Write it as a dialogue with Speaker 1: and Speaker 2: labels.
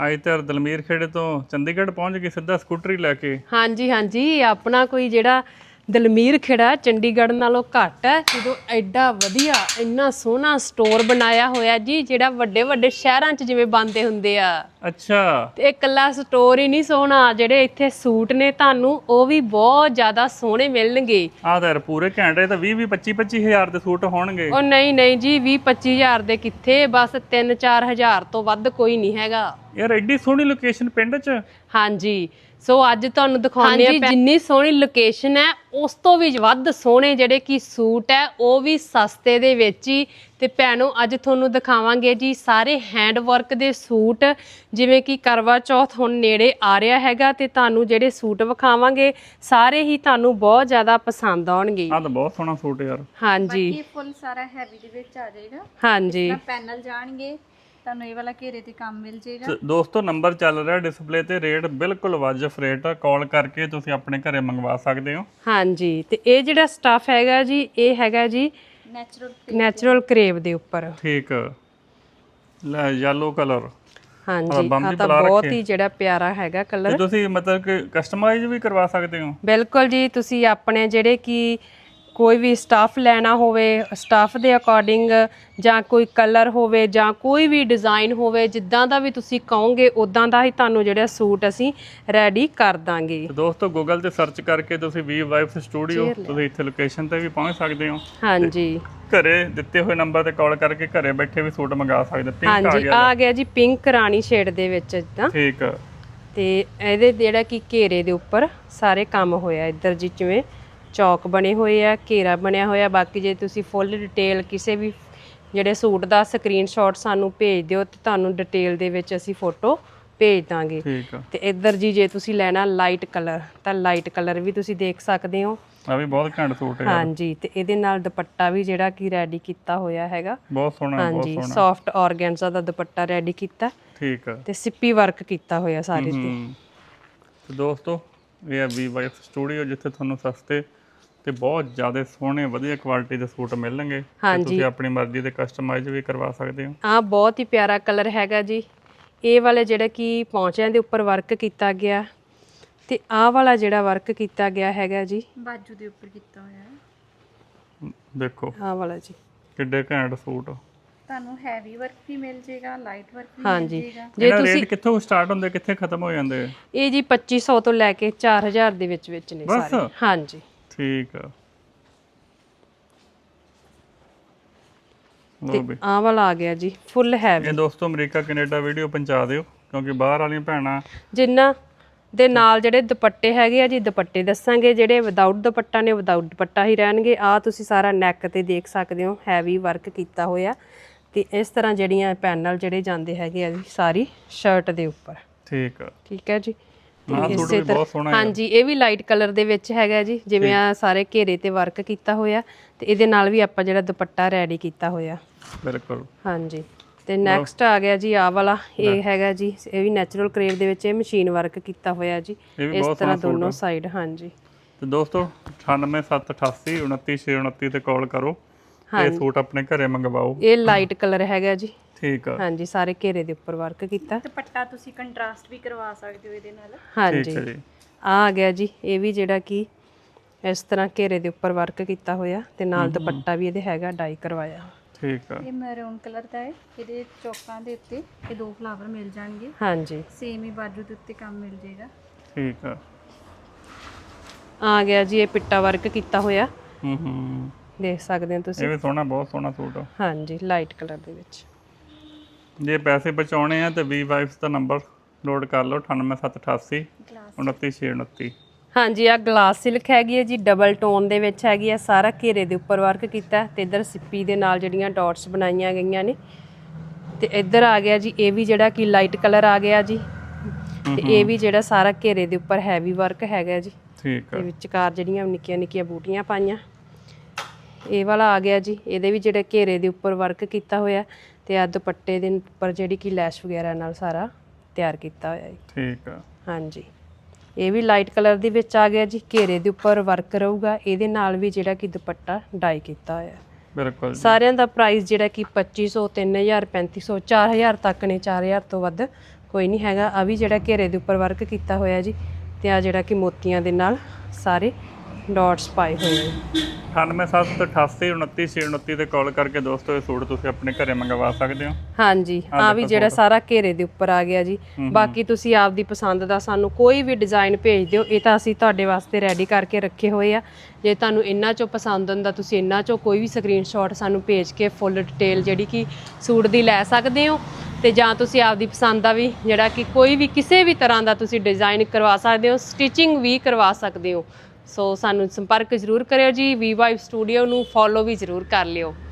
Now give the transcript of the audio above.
Speaker 1: ਅੱਜ ਤਾਂ ਦਲਮੀਰ ਖੇੜੇ ਤੋਂ ਚੰਡੀਗੜ੍ਹ ਪਹੁੰਚ ਗਈ ਸਿੱਧਾ ਸਕੂਟਰੀ ਲੈ ਕੇ।
Speaker 2: ਹਾਂਜੀ ਹਾਂਜੀ, ਆਪਣਾ ਕੋਈ ਜਿਹੜਾ ਦਲਮੀਰ ਖੇੜਾ ਚੰਡੀਗੜ੍ਹ ਨਾਲੋਂ ਘੱਟ ਹੈ, ਜਦੋਂ ਐਡਾ ਵਧੀਆ ਇੰਨਾ ਸੋਹਣਾ ਸਟੋਰ ਬਣਾਇਆ ਹੋਇਆ ਜੀ, ਜਿਹੜਾ ਵੱਡੇ ਵੱਡੇ ਸ਼ਹਿਰਾਂ 'ਚ ਜਿਵੇਂ ਬਣਦੇ ਹੁੰਦੇ ਆ।
Speaker 1: ਅੱਛਾ।
Speaker 2: ਤੇ ਇਕੱਲਾ ਸਟੋਰ ਹੀ ਨਹੀਂ ਸੋਹਣਾ, ਜਿਹੜੇ ਇੱਥੇ ਸੂਟ ਨੇ ਤੁਹਾਨੂੰ ਉਹ ਵੀ ਬਹੁਤ ਜ਼ਿਆਦਾ ਸੋਹਣੇ ਮਿਲਣਗੇ।
Speaker 1: ਆਹ ਤਾਂ ਯਾਰ ਪੂਰੇ ਘੰਟੇ ਤਾਂ 20-25 ਹਜ਼ਾਰ ਦੇ ਸੂਟ ਹੋਣਗੇ।
Speaker 2: ਉਹ ਨਹੀਂ ਨਹੀਂ ਜੀ, 20-25 ਹਜ਼ਾਰ ਦੇ ਕਿੱਥੇ, ਬਸ 3-4 ਹਜ਼ਾਰ ਤੋਂ ਵੱਧ ਕੋਈ ਨਹੀਂ ਹੈਗਾ
Speaker 1: ਯਾਰ। ਐਡੀ ਸੋਹਣੀ ਲੋਕੇਸ਼ਨ ਪਿੰਡ 'ਚ।
Speaker 2: ਹਾਂਜੀ, ਸੋ ਅੱਜ ਤੁਹਾਨੂੰ ਦਿਖਾਉਂਦੇ ਆ ਜਿੰਨੀ ਸੋਹਣੀ ਲੋਕੇਸ਼ਨ ਹੈ ਉਸ ਤੋਂ ਵੀ ਵੱਧ ਸੋਹਣੇ ਜਿਹੜੇ ਕਿ ਸੂਟ ਹੈ, ਉਹ ਵੀ ਸਸਤੇ ਦੇ ਵਿੱਚ ਹੀ। ਤੇ ਭੈਣੋ ਅੱਜ ਤੁਹਾਨੂੰ ਦਿਖਾਵਾਂਗੇ ਜੀ ਸਾਰੇ ਹੈਂਡ ਵਰਕ ਦੇ ਸੂਟ, ਜਿਵੇਂ ਕਿ ਕਰਵਾ ਚੌਥ ਹੁਣ ਨੇੜੇ ਆ ਰਿਹਾ ਹੈਗਾ, ਤੇ ਤੁਹਾਨੂੰ ਜਿਹੜੇ ਸੂਟ ਵਿਖਾਵਾਂਗੇ ਸਾਰੇ ਹੀ ਤੁਹਾਨੂੰ ਬਹੁਤ ਜ਼ਿਆਦਾ ਪਸੰਦ ਆਉਣਗੇ।
Speaker 1: ਆਹ ਤਾਂ ਬਹੁਤ ਸੋਹਣਾ ਸੂਟ ਯਾਰ।
Speaker 2: ਹਾਂਜੀ,
Speaker 3: ਬਾਕੀ ਫੁੱਲ ਸਾਰਾ ਹੈਵੀ ਦੇ ਵਿੱਚ ਆ ਜਾਏਗਾ।
Speaker 2: ਹਾਂਜੀ,
Speaker 3: ਪੈਨਲ ਜਾਣਗੇ, ਤੁਹਾਨੂੰ ਇਹ ਵਾਲਾ ਘੇਰੇ ਤੇ ਕੰਮ ਮਿਲ ਜਾਏਗਾ।
Speaker 1: ਦੋਸਤੋ ਨੰਬਰ ਚੱਲ ਰਿਹਾ ਡਿਸਪਲੇ ਤੇ, ਰੇਟ ਬਿਲਕੁਲ ਵਾਜਬ ਰੇਟ ਆ, ਕਾਲ ਕਰਕੇ ਤੁਸੀਂ ਆਪਣੇ ਘਰੇ ਮੰਗਵਾ ਸਕਦੇ ਹੋ।
Speaker 2: ਹਾਂਜੀ, ਤੇ ਇਹ ਜਿਹੜਾ ਸਟਫ ਹੈਗਾ ਜੀ, ਇਹ ਹੈਗਾ ਜੀ ਨੈਚੁਰਲ ਕਰੇਵ ਦੇ ਉੱਪਰ।
Speaker 1: ਠੀਕ, ਲੈ ਯੈਲੋ ਕਲਰ।
Speaker 2: ਹਾਂਜੀ, ਆ ਤਾਂ ਬਹੁਤ ਹੀ ਜਿਹੜਾ ਪਿਆਰਾ ਹੈਗਾ ਕਲਰ।
Speaker 1: ਤੁਸੀਂ ਮਤਲਬ ਕਿ ਕਸਟਮਾਈਜ਼ ਵੀ ਕਰਵਾ ਸਕਦੇ ਹੋ।
Speaker 2: ਬਿਲਕੁਲ ਜੀ, ਤੁਸੀਂ ਆਪਣੇ ਜਿਹੜੇ ਕਿ ਕੋਈ ਵੀ ਸਟਾਫ ਲੈਣਾ ਹੋਵੇ, ਸਟਾਫ ਦੇ ਅਕੋਰਡਿੰਗ, ਜਾਂ ਕੋਈ ਕਲਰ ਹੋਵੇ ਜਾਂ ਕੋਈ ਵੀ ਡਿਜ਼ਾਈਨ ਹੋਵੇ, ਜਿੱਦਾਂ ਦਾ ਵੀ ਤੁਸੀਂ ਕਹੋਗੇ ਉਦਾਂ ਦਾ ਹੀ ਤੁਹਾਨੂੰ ਜਿਹੜਾ ਸੂਟ ਅਸੀਂ ਰੈਡੀ ਕਰ ਦਾਂਗੇ।
Speaker 1: ਦੋਸਤੋ ਗੂਗਲ ਤੇ ਸਰਚ ਕਰਕੇ ਤੁਸੀਂ ਵੀ ਵਾਈਫ ਸਟੂਡੀਓ, ਤੁਸੀਂ ਇੱਥੇ ਲੋਕੇਸ਼ਨ ਤੇ ਵੀ ਪਹੁੰਚ ਸਕਦੇ ਹੋ।
Speaker 2: ਹਾਂਜੀ,
Speaker 1: ਘਰੇ ਦਿੱਤੇ ਹੋਏ ਨੰਬਰ ਤੇ ਕਾਲ ਕਰਕੇ ਘਰੇ ਬੈਠੇ ਵੀ ਸੂਟ ਮੰਗਾ ਸਕਦੇ। ਪਿੰਕ ਆ
Speaker 2: ਹਾਂਜੀ,
Speaker 1: ਗਿਆ।
Speaker 2: ਆ ਗਿਆ ਜੀ ਪਿੰਕ ਰਾਣੀ ਸ਼ੇਡ ਦੇ ਵਿੱਚ ਇਦਾਂ।
Speaker 1: ਠੀਕ,
Speaker 2: ਤੇ ਇਹਦੇ ਜਿਹੜਾ ਕਿ ਘੇਰੇ ਦੇ ਉੱਪਰ ਸਾਰੇ ਕੰਮ ਹੋਇਆ, ਇੱਧਰ ਜੀ ਜਿਵੇਂ ਚੌਕ ਬਣੇ ਹੋਏ ਆ, ਘੇਰਾ ਬਣਿਆ ਹੋਇਆ। ਬਾਕੀ ਜੇ ਤੁਸੀਂ ਫੁੱਲ ਡਿਟੇਲ ਕਿਸੇ ਵੀ ਜਿਹੜੇ ਸੂਟ ਦਾ ਸਕਰੀਨਸ਼ਾਟ ਸਾਨੂੰ ਭੇਜ ਦਿਓ ਤੇ ਤੁਹਾਨੂੰ ਡਿਟੇਲ ਦੇ ਵਿੱਚ ਅਸੀਂ ਫੋਟੋ ਭੇਜ ਦਾਂਗੇ।
Speaker 1: ਠੀਕ ਆ।
Speaker 2: ਤੇ ਇੱਧਰ ਜੀ ਜੇ ਤੁਸੀਂ ਲੈਣਾ ਲਾਈਟ ਕਲਰ ਤਾਂ ਲਾਈਟ ਕਲਰ ਵੀ ਤੁਸੀਂ ਦੇਖ ਸਕਦੇ ਹੋ।
Speaker 1: ਆ ਵੀ ਬਹੁਤ ਘੈਂਟ ਸੂਟ ਹੈ।
Speaker 2: ਹਾਂਜੀ, ਤੇ ਇਹਦੇ ਨਾਲ ਦੁਪੱਟਾ ਵੀ ਜਿਹੜਾ ਕਿ ਰੈਡੀ ਕੀਤਾ ਹੋਇਆ ਹੈਗਾ।
Speaker 1: ਬਹੁਤ ਸੋਹਣਾ, ਬਹੁਤ
Speaker 2: ਹਾਂਜੀ,
Speaker 1: ਸੋਹਣਾ।
Speaker 2: ਸੌਫਟ ਆਰਗੈਂਜ਼ਾ ਦਾ ਦੁਪੱਟਾ ਰੈਡੀ ਕੀਤਾ।
Speaker 1: ਠੀਕ ਆ।
Speaker 2: ਤੇ ਸਿੱਪੀ ਵਰਕ ਕੀਤਾ ਹੋਇਆ ਸਾਰੇ ਤੇ।
Speaker 1: ਤੇ ਦੋਸਤੋ ਇਹ ਹੈ ਵੀ ਵਾਈਫ ਸਟੂਡੀਓ, ਜਿੱਥੇ ਤੁਹਾਨੂੰ ਸਸਤੇ ਤੇ ਬਹੁਤ ਜ਼ਿਆਦਾ ਸੋਹਣੇ ਵਧੀਆ ਕੁਆਲਿਟੀ ਦੇ ਸੂਟ ਮਿਲਣਗੇ। ਤੇ ਤੁਸੀਂ ਆਪਣੀ ਮਰਜ਼ੀ ਦੇ ਕਸਟਮਾਈਜ਼ ਵੀ ਕਰਵਾ ਸਕਦੇ ਹੋ।
Speaker 2: ਆਹ ਬਹੁਤ ਹੀ ਪਿਆਰਾ ਕਲਰ ਹੈਗਾ ਜੀ। ਇਹ ਵਾਲੇ ਜਿਹੜਾ ਕਿ ਪੌਂਚਿਆਂ ਦੇ ਉੱਪਰ ਵਰਕ ਕੀਤਾ ਗਿਆ, ਤੇ ਆਹ ਵਾਲਾ ਜਿਹੜਾ ਵਰਕ ਕੀਤਾ ਗਿਆ ਹੈਗਾ ਜੀ
Speaker 3: ਬਾਜੂ ਦੇ ਉੱਪਰ ਕੀਤਾ ਹੋਇਆ ਹੈ।
Speaker 1: ਦੇਖੋ
Speaker 2: ਆਹ ਵਾਲਾ ਜੀ
Speaker 1: ਕਿੱਡੇ ਘੈਂਟ ਸੂਟ।
Speaker 3: ਤੁਹਾਨੂੰ ਹੈਵੀ ਵਰਕ ਵੀ ਮਿਲ ਜਾਏਗਾ, ਲਾਈਟ ਵਰਕ ਵੀ ਮਿਲ
Speaker 2: ਹਾਂਜੀ,
Speaker 3: ਜਾਏਗਾ।
Speaker 2: ਜੇ ਤੁਸੀਂ
Speaker 1: ਰੇਟ ਕਿੱਥੋਂ ਸਟਾਰਟ ਹੁੰਦੇ, ਕਿੱਥੇ ਖਤਮ ਹੋ ਜਾਂਦੇ?
Speaker 2: ਇਹ ਜੀ 2500 ਤੋਂ ਲੈ ਕੇ 4000 ਦੇ ਵਿੱਚ ਵਿੱਚ ਨੇ ਸਾਰੇ। ਹਾਂਜੀ,
Speaker 1: ਠੀਕ ਆ।
Speaker 2: ਤੇ ਆਹ ਵਾਲਾ ਆ ਗਿਆ ਜੀ ਫੁੱਲ ਹੈਵੀ।
Speaker 1: ਇਹ ਦੋਸਤੋ ਅਮਰੀਕਾ ਕੈਨੇਡਾ ਵੀਡੀਓ ਪਹੁੰਚਾ ਦਿਓ, ਕਿਉਂਕਿ ਬਾਹਰ ਵਾਲੀਆਂ ਭੈਣਾਂ
Speaker 2: ਜਿਨ੍ਹਾਂ ਦੇ ਨਾਲ ਜਿਹੜੇ ਦੁਪੱਟੇ ਹੈਗੇ ਆ ਜੀ, ਦੁਪੱਟੇ ਦੱਸਾਂਗੇ। ਜਿਹੜੇ ਵਿਦਆਊਟ ਦੁਪੱਟਾ ਨੇ ਵਿਦਆਊਟ ਦੁਪੱਟਾ ਹੀ ਰਹਿਣਗੇ। ਆ ਤੁਸੀਂ ਸਾਰਾ ਨੈਕ ਤੇ ਦੇਖ ਸਕਦੇ ਹੋ ਹੈਵੀ ਵਰਕ ਕੀਤਾ ਹੋਇਆ, ਤੇ ਇਸ ਤਰ੍ਹਾਂ ਜਿਹੜੀਆਂ ਪੈਨਲ ਜਿਹੜੇ ਜਾਂਦੇ ਹੈਗੇ ਆ ਜੀ ਸਾਰੀ ਸ਼ਰਟ ਦੇ ਉੱਪਰ।
Speaker 1: ਠੀਕ ਆ।
Speaker 2: ਠੀਕ ਹੈ ਜੀ।
Speaker 1: ਇਸੇ ਤਰ੍ਹਾਂ
Speaker 2: ਹਾਂਜੀ, ਇਹ ਵੀ ਲਾਈਟ ਕਲਰ ਦੇ ਵਿੱਚ ਹੈਗਾ ਜੀ, ਜਿਵੇਂ ਆ ਸਾਰੇ ਘੇਰੇ ਤੇ ਵਰਕ ਕੀਤਾ ਹੋਇਆ, ਤੇ ਇਹਦੇ ਨਾਲ ਵੀ ਆਪਾਂ ਜਿਹੜਾ ਦੁਪੱਟਾ ਰੈਡੀ ਕੀਤਾ ਹੋਇਆ।
Speaker 1: ਬਿਲਕੁਲ।
Speaker 2: ਹਾਂਜੀ, ਤੇ ਨੈਕਸਟ ਆ ਗਿਆ ਜੀ ਆਹ ਵਾਲਾ। ਇਹ ਹੈਗਾ ਜੀ, ਇਹ ਵੀ ਨੈਚੁਰਲ ਕਰੇਵ ਦੇ ਵਿੱਚ ਇਹ ਮਸ਼ੀਨ ਵਰਕ ਕੀਤਾ ਹੋਇਆ ਜੀ, ਇਸ ਤਰ੍ਹਾਂ ਦੋਨੋਂ ਸਾਈਡ। ਹਾਂਜੀ,
Speaker 1: ਤੇ ਦੋਸਤੋ 9878 29629 ਤੇ ਕਾਲ ਕਰੋ ਤੇ ਸੂਟ ਆਪਣੇ ਘਰੇ ਮੰਗਵਾਓ।
Speaker 2: ਇਹ ਲਾਈਟ ਕਲਰ ਹੈਗਾ ਜੀ।
Speaker 1: ਠੀਕ ਆ।
Speaker 2: ਹਾਂਜੀ, ਸਾਰੇ ਘੇਰੇ ਦੇ ਉੱਪਰ ਵਰਕ ਕੀਤਾ।
Speaker 3: ਦੁਪੱਟਾ ਤੁਸੀਂ ਕੰਟਰਾਸਟ ਵੀ ਕਰਵਾ ਸਕਦੇ ਹੋ ਇਹਦੇ ਨਾਲ।
Speaker 2: ਹਾਂਜੀ, ਆ ਗਿਆ ਜੀ ਇਹ ਵੀ ਜਿਹੜਾ ਕਿ ਇਸ ਤਰ੍ਹਾਂ ਘੇਰੇ ਦੇ ਉੱਪਰ ਵਰਕ ਕੀਤਾ ਹੋਇਆ, ਤੇ ਨਾਲ ਦੁਪੱਟਾ ਵੀ ਇਹਦੇ ਹੈਗਾ ਡਾਈ ਕਰਵਾਇਆ।
Speaker 1: ਠੀਕ ਆ।
Speaker 3: ਇਹ ਮੈਰੂਨ ਕਲਰ ਦਾ ਹੈ। ਇਹਦੇ ਚੌਕਾਂ ਦੇ ਉੱਤੇ ਇਹ 2 ਫਲਾਵਰ ਮਿਲ ਜਾਣਗੇ।
Speaker 2: ਹਾਂਜੀ,
Speaker 3: ਸੇਮ ਹੀ ਬਾਜੂ ਦੇ ਉੱਤੇ ਕੰਮ ਮਿਲ ਜਾਏਗਾ।
Speaker 1: ਠੀਕ ਆ।
Speaker 2: ਆ ਗਿਆ ਜੀ ਇਹ ਪਿੱਟਾ ਵਰਕ ਕੀਤਾ ਹੋਇਆ।
Speaker 1: ਹੂੰ,
Speaker 2: ਦੇਖ ਸਕਦੇ ਹੋ ਤੁਸੀਂ।
Speaker 1: ਇਹ ਵੀ ਸੋਹਣਾ, ਬਹੁਤ ਸੋਹਣਾ ਸੂਟ ਆ।
Speaker 2: ਹਾਂਜੀ, ਲਾਈਟ ਕਲਰ ਦੇ ਵਿੱਚ।
Speaker 1: ਜੇ ਪੈਸੇ ਬਚਾਉਣੇ ਆ ਤੇ ਵੀ ਵਾਈਫਸ ਦਾ ਨੰਬਰ ਨੋਟ ਕਰ ਲਓ 9878 29629।
Speaker 2: ਹਾਂਜੀ, ਆ ਗਲਾਸ ਸਿਲਕ ਹੈਗੀ ਹੈ ਜੀ, ਡਬਲ ਟੋਨ ਦੇ ਵਿੱਚ ਹੈਗੀ ਆ, ਸਾਰਾ ਘੇਰੇ ਦੇ ਉੱਪਰ ਵਰਕ ਕੀਤਾ, ਤੇ ਇੱਧਰ ਸਿੱਪੀ ਦੇ ਨਾਲ ਜਿਹੜੀਆਂ ਡਾਟਸ ਬਣਾਈਆਂ ਗਈਆਂ ਨੇ। ਤੇ ਇੱਧਰ ਆ ਗਿਆ ਜੀ ਇਹ ਵੀ ਜਿਹੜਾ ਕਿ ਲਾਈਟ ਕਲਰ ਆ ਗਿਆ ਜੀ, ਤੇ ਇਹ ਵੀ ਜਿਹੜਾ ਸਾਰਾ ਘੇਰੇ ਦੇ ਉੱਪਰ ਹੈਵੀ ਵਰਕ ਹੈਗਾ ਜੀ।
Speaker 1: ਠੀਕ ਆ।
Speaker 2: ਤੇ ਵਿਚਕਾਰ ਜਿਹੜੀਆਂ ਨਿੱਕੀਆਂ ਨਿੱਕੀਆਂ ਬੂਟੀਆਂ ਪਾਈਆਂ। ਇਹ ਵਾਲਾ ਆ ਗਿਆ ਜੀ, ਇਹਦੇ ਵੀ ਜਿਹੜੇ ਘੇਰੇ ਦੇ ਉੱਪਰ ਵਰਕ ਕੀਤਾ ਹੋਇਆ, ਤੇ ਆ ਦੁਪੱਟੇ ਦੇ ਉੱਪਰ ਜਿਹੜੀ ਕਿ ਲੈਸ਼ ਵਗੈਰਾ ਨਾਲ ਸਾਰਾ ਤਿਆਰ ਕੀਤਾ ਹੋਇਆ ਹੈ।
Speaker 1: ਠੀਕ ਆ।
Speaker 2: ਹਾਂਜੀ, ਇਹ ਵੀ ਲਾਈਟ ਕਲਰ ਦੇ ਵਿੱਚ ਆ ਗਿਆ ਜੀ, ਘੇਰੇ ਦੇ ਉੱਪਰ ਵਰਕ ਰਹੂਗਾ, ਇਹਦੇ ਨਾਲ ਵੀ ਜਿਹੜਾ ਕਿ ਦੁਪੱਟਾ ਡਾਈ ਕੀਤਾ ਹੋਇਆ।
Speaker 1: ਬਿਲਕੁਲ।
Speaker 2: ਸਾਰਿਆਂ ਦਾ ਪ੍ਰਾਈਸ ਜਿਹੜਾ ਕਿ 2500 3000 3500 4000 ਤੱਕ ਨੇ, 4000 ਤੋਂ ਵੱਧ ਕੋਈ ਨਹੀਂ ਹੈਗਾ। ਆ ਵੀ ਜਿਹੜਾ ਘੇਰੇ ਦੇ ਉੱਪਰ ਵਰਕ ਕੀਤਾ ਹੋਇਆ ਜੀ, ਤੇ ਆ ਜਿਹੜਾ ਕਿ ਮੋਤੀਆਂ ਦੇ ਨਾਲ ਸਾਰੇ ਡਾਟਸ ਪਾਏ ਹੋਏ ਆ।
Speaker 1: 9778899629 ਤੇ ਕਾਲ ਕਰਕੇ ਦੋਸਤੋ ਇਹ ਸੂਟ ਤੁਸੀਂ ਆਪਣੇ ਘਰੇ ਮੰਗਵਾ ਸਕਦੇ ਹੋ।
Speaker 2: ਹਾਂਜੀ, ਆ ਵੀ ਜਿਹੜਾ ਸਾਰਾ ਘੇਰੇ ਦੇ ਉੱਪਰ ਆ ਗਿਆ ਜੀ। ਬਾਕੀ ਤੁਸੀਂ ਆਪਦੀ ਪਸੰਦ ਦਾ ਸਾਨੂੰ ਕੋਈ ਵੀ ਡਿਜ਼ਾਈਨ ਭੇਜ ਦਿਓ, ਇਹ ਤਾਂ ਅਸੀਂ ਤੁਹਾਡੇ ਵਾਸਤੇ ਰੈਡੀ ਕਰਕੇ ਰੱਖੇ ਹੋਏ ਆ। ਜੇ ਤੁਹਾਨੂੰ ਇਹਨਾਂ ਚੋਂ ਪਸੰਦ ਹੁੰਦਾ ਤੁਸੀਂ ਇਹਨਾਂ ਚੋਂ ਕੋਈ ਵੀ ਸਕਰੀਨਸ਼ਾਟ ਸਾਨੂੰ ਭੇਜ ਕੇ ਫੁੱਲ ਡਿਟੇਲ ਜਿਹੜੀ ਕਿ ਸੂਟ ਦੀ ਲੈ ਸਕਦੇ ਹੋ, ਤੇ ਜਾਂ ਤੁਸੀਂ ਆਪਦੀ ਪਸੰਦ ਦਾ ਵੀ ਜਿਹੜਾ ਕਿ ਕੋਈ ਵੀ ਕਿਸੇ ਵੀ ਤਰ੍ਹਾਂ ਦਾ ਤੁਸੀਂ ਡਿਜ਼ਾਈਨ ਕਰਵਾ ਸਕਦੇ ਹੋ, ਸਟਿਚਿੰਗ ਵੀ ਕਰਵਾ ਸਕਦੇ ਹੋ। ਸੋ ਸਾਨੂੰ ਸੰਪਰਕ ਜ਼ਰੂਰ ਕਰਿਓ ਜੀ। ਵੀ ਵਾਈਬ ਸਟੂਡੀਓ ਨੂੰ ਫੋਲੋ ਵੀ ਜ਼ਰੂਰ ਕਰ ਲਿਓ।